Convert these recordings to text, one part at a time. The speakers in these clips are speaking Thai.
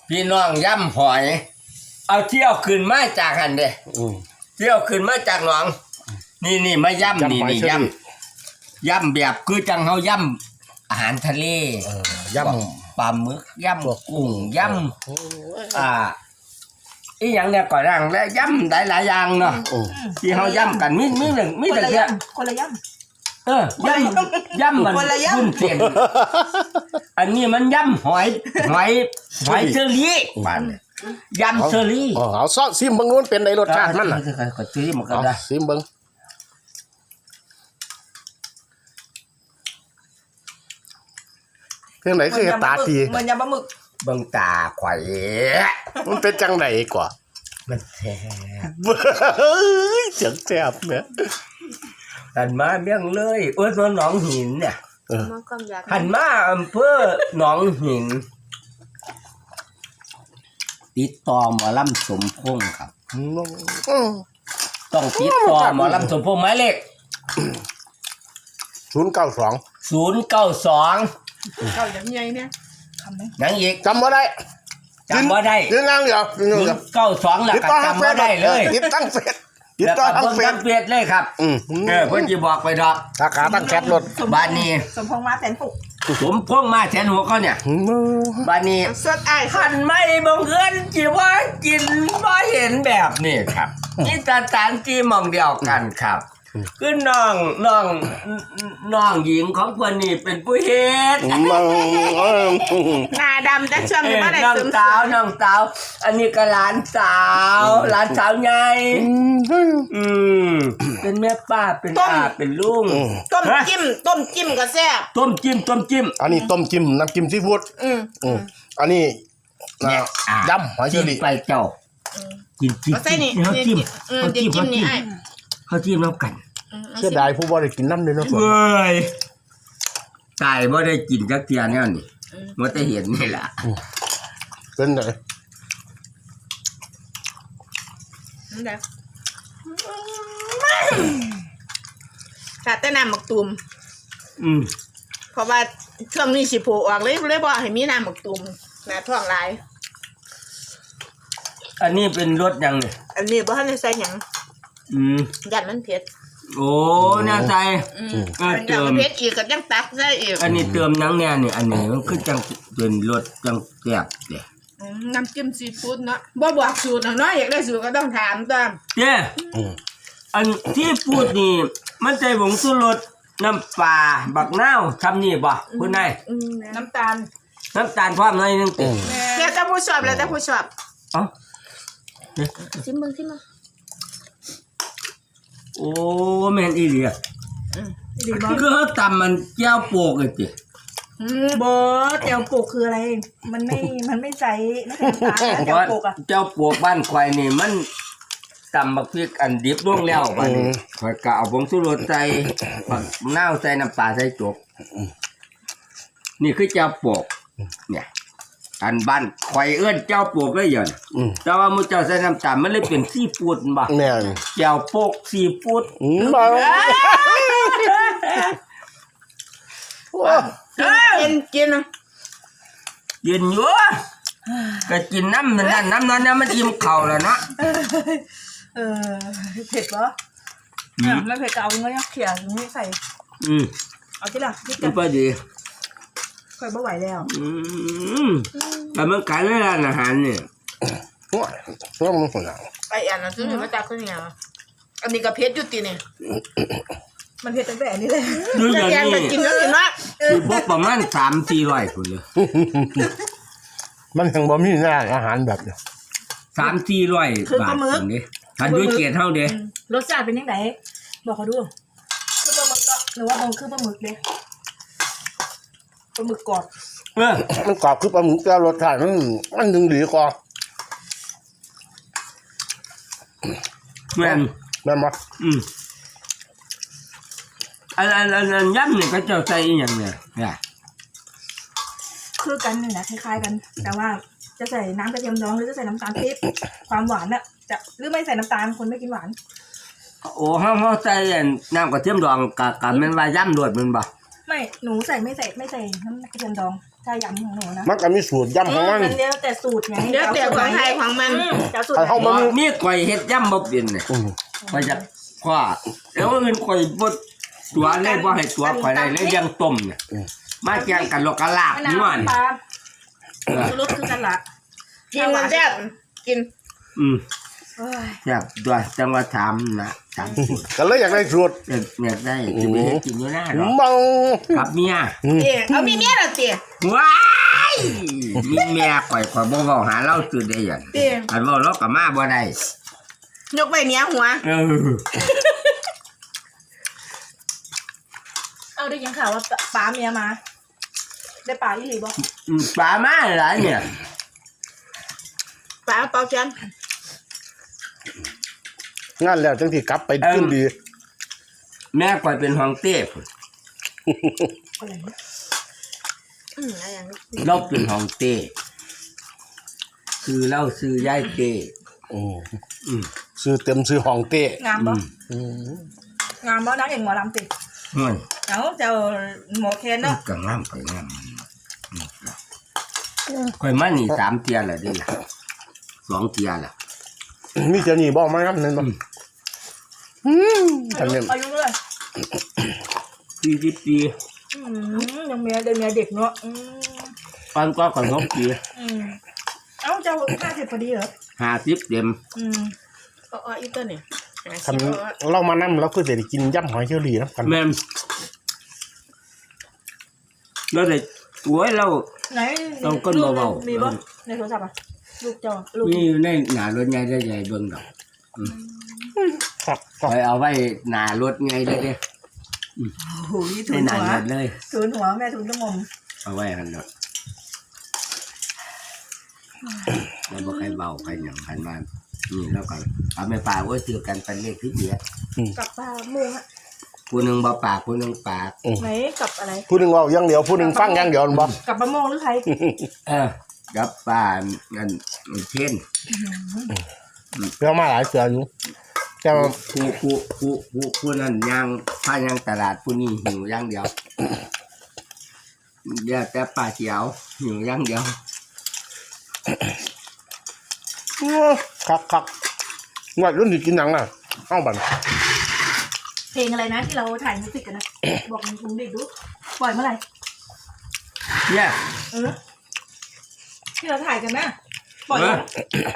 พี่น้องย่ำหอยเอาเที่ยวขึ้นมาจากหันเด้เที่ยวขึ้นมาจากหนองนี่มาย่ำนี่ย่ำแบบคือจังเฮาย่ำอาหารทะเลย่ำปลาหมึกย่ำกุ้งย่ำอีหยังเนี่ยก็ร่างและย่ำหลายอย่างเนาะที่เฮาย่ำกันมีหนึ่งมีแต่แค่คนละย่ย่ำมันคุ้นเส้นอันนี้มันย่ำหอยเชอรี่บ้านย่ำเชอรี่เอาซอสซิมเบิ่งนู้นเป็นในรสชาติมันน่ะก็ซิมก็ได้ซิมเบิ่งเพียงไหนคือตาตีมันยำปลาหมึกเบิ่งตาข่อยมันเป็นจังไหนกว่ามันแซ่บเสียงแซ่บเนี่ยหันมาเมี่ยงเลยหนองหินเนี่ยหันมาอำเภอหนองหินติดต่อหมอลำสมพงษ์ครับต้องติดต่อหมอลำสมพงษ์หมายเลข 092 เก่าอย่างไงเนี่ยยังอีกจำบ่ได้ยืนนั่งเดี๋ยว 92หลักจำบ่ได้เลยติดตั้งเฟซติดต่อทั้งเฟซเลยครับเพิ่นสิบอกไปดอกสาขาตั้งแชทรถบ้านนี้สมพงษ์มาแสนปุกสมพงษ์มาแสนหัวเขาเนี่ยบ้านนี้สดไอ้ขันไม่บังเอิญจีว่ากินบ่เห็นแบบนี้ครับนี่ตาตานจีมองเดียวกันครับคือน้องหญิงของคนนี้เป็นผู้เฮ็ดหน้าดำแต่ช่วงนี้มาได้น้องสาวอันนี้ก็หลานสาวใหญ่เป็นแม่ป้าเป็นอาเป็นลุงต้มจิ้มก็แซ่บต้มจิ้มอันนี้ต้มจิ้มน้ำจิ้มซีฟู้ดอันนี้ยำหอยเชอรี่ไปเจ้ากินเขาจิ้มนี่ไอ้เขาจิ้มแล้วกันเชื่อได้ผู้บ่ได้กินน้ำเลยเนาะเว้ยตายบ่ได้กินจักเทียแนวนี่มันจะเห็นนี่ล่ะเป็นไงขาดแต่น้ำหมักตุ่มเพราะว่าช่วงนี้สิโผล่ออกเลยบอกให้มีน้ำหมักตุ่มหน้าท้องลายอันนี้เป็นรสยังเนี่ยอันนี้บ่ทันได้ใส่หยังยันมันเผ็ดโอ้น่าใจเติมเผ็ดอีกก็ยังตักได้อีกอันนี้เติมนังเนี่ยนี่อันนี้มันคือจังเป็นรสจังแซ่บเด้น้ำจิ้มซีฟู้ดเนาะบ่บอกสูตรเนาะอยากได้สูตรก็ต้องถามตามเด้อันที่พูดนี่มันใจผงชูรสน้ำปลาบักนาวทำนี่บ่คุณนายน้ำตาลพร้อมหน่อยนึงติแล้วแต่ผู้ชอบชิมมึงโอ้แม่นอีหลีคือเขาตำมันแก้วโปกเลยจิบ่แก้วโปกคืออะไรมันไม่ใส่น้ำตาลแก้วโปกอะแก้วโปกบ้านควายนี่มันตำบักพริกอันดิบลงแล้วบัดนี้ข่อยก็เอาผงชูรสใส่บักนาวใส่น้ำปลาใส่จกนี่คือแก้วโปกเนี่ยอันบ้านข่อยเอื้อนเจ้าโปกเลยอย่างแต่ว่ามื้อเจ้าใส่น้ำตาลมันเลยเป็นซีฟู้ดบ่แม่นแก้วโปกซีฟู้ดกินอยู่ก็กินน้ำนั้นมันอิ่มเข่าแล้วนะเผ็ดเหรอไม่เผ็ดก็เอาเงี้ยเขี่ยนี่ใส่เอาที่ละที่กันพอดีค่อยไม่ไหวแล้วแต่มันขายในร้านอาหารเนี่ยว่ามันคนละไอ้อันนั้นซื้อมาจากคนเนี่ยอันนี้ก็เผ็ดอยู่ตีเนี่ยมันเผ็ดตั้งแต่นี้เลยดูอย่างนี้กินแล้วกินมากคือพวกประมาณ3-400คนเลยมันยังบ่มีร้านอาหารแบบเนี่ย 3-400 บาทนี่ทันด้วยเกียรติเท่าเด้รสชาติเป็นยังไงบอกเขาดูคือปลาหมึกหรือว่าคือปลาหมึกเด้ปลาหมึกกรอบมันกรอบคือปลาหมึกแต่รสชาติมันดึงดีกว่าแม่นมั้ยอันย่ำเนี่ยก็จะใส่อย่างเนี่ยคือกันนี่นะคล้ายๆกันแต่ว่าจะใส่น้ำกระเทียมดองหรือจะใส่น้ำตาลปี๊บความหวานน่ะจะหรือไม่ใส่น้ำตาลคนไม่กินหวานโอ้เขาใส่น้ำกระเทียมดองกับแม่นว่าย่ำโดดมันบ่ไม่หนูใส่ไม่ใส่น้ำกระเทียมดองใส่ถ้ายำของหนูนะมันก็มีสูตรยำของมันมันเดี๋ยวแต่สูตรไงเดี๋ยวแต่ของไทยของมันเจ้าสูตรใครเข้าบ่มีข่อยเฮ็ดย่ำบ่เป็นเนี่ยอืมข่อยจะคว้าแล้วอื่นข่อยบ่ตัวเลยบ่ให้ตัวข่อยได้เลยยังต้มเนี่ยมาแกงกันโลกะลาบน้นัวนี่ำปลาเออชูรสคือกันละกินมันแซ่บกินอืมเอ้ยแซ่บด้วยจังว่าถามนะถามสูตรก็เลยอยากได้สูตรเนี่ยได้จะไปเฮ็ดกินอยู่หน้าหรอเมากับเมียเอ๊ะเอามีเมียเหรอเตี๋ยว้ายมีเมียข่อยบ่เว้าหาเราตื่นได้หยังเตี๋ยอันเว้าเราก็มาบ่ได้ยกไปเนี้ยหัวเออเอาได้ยินข่าวว่าป๋าเมียมา ได้ป๋าอีหลีบอกปลามาหลายเนี่ยปลาเปาเชียนงานแล้วจังที่กลับไปขึ้นดีแม่ข่อยเป็นห้องเต้พุ่นอะไรเนี่ยอะไรอย่างนี้เราเป็นห้องเต้คือเราซื้อยายเต้อืมอืมซื้อเต็มซื้อห้องเต้งามบ่อืมงามบ่นักเอกหมอลำติห่วยเอาเจ้าหมอเคนเนาะก็งามไปงามข่อยมานี่3เที่ยแล้วเด้ล่ะ2เที่ยแล้วมีเจ้านี่บอกมาครับนั่นบ่ท่านเนี่ยอายุเท่าไหร่ 40ปียังเมียเด็กเมียเด็กเนาะปันก็ขนมปีเอ้าเจ้า50พอดีเหรอ 50เต็มเอาอีกตัวเนี่ยคันเรามานำเราคือจะได้กินยำหอยเชอรี่นะกันแม่นแล้วได้โอ้ยเราไหนต้องก้นเบาๆมีบ่ในโทรศัพท์อ่ะลูกเจ้าลูกนี่ในหน้ารถใหญ่ได้ใหญ่เบิ่งดอกครับข่อยเอาไว้หน้ารถไงเลยเด้โอ้โหนี่ในทุนหน้าหัวรถเลยทุนหัวแม่ทุนต้องงมเอาไว้หั่นดอกแล้วบ่ใครเบาใครหยังคันว่านี่แล้วก็เอาแม่ปลาไว้ซื้อกันเป็นเลขที่เดียกับปลาโมุงอะผู้หนึงบ่ปากผู้หนึงปากไหนกับอะไรผู้หนึ่งเว่าอย่างเดียวผู้หนึ่งฟังอย่างเดียวบ่กับมะม่วงหรือใครกับปลานั่นเช่นเรื่องมาหลายเสืออยู่แต่ว่าผู้นั้นย่างผ้าย่างตลาดผู้นี้หิวอย่างเดียวเดี๋ยวแต่ปลาเขียวหิวอย่างเดียวคักงวดรุ่นที่กินหนังน่ะเอ้าบันเพลงอะไรนะที่เราถ่ายมิวสิกกันนะ บอกลุงเด็กดูปล่อยเมื่อไหร่เนี่ยที่เราถ่ายกันนะปล่อยแล้ว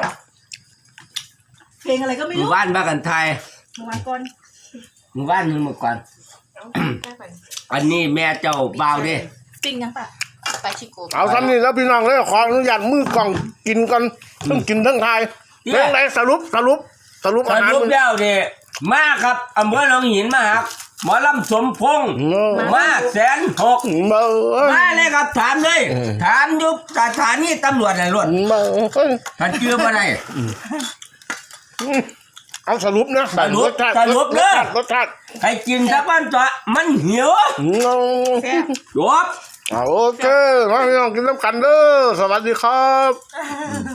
เพลงอะไรก็ไม่หมู่รู้บ้านบ้านกันไทยเมื่อวานก่อนหมู่บ้านนึงเมื่อก่อนได้ไปอันนี้แม่เจ้าบ่าวเด้จริงยังปะไปชิโก้เอาซ้ำนี่แล้วพี่น้องเลยขออนุญาตมือกล่องกินกันทั้งกินทั้งทายเรื่องไหนสรุปสอาหารรุปแล้วเด้มาครับอำเภอหนองหินมาครับหมอลำสมพงษ์มา106,000 มามาเลยครับถามเลยถามอยุบสถานีตำรวจไหนรวดมาท่านเชื่อบ่ได้เอาสรุปนะสรุปรสชาติให้กินซะบ้านตัวมันหิวจบโอเคมาพี่น้องกินน้ำกันเด้อสวัสดีครับ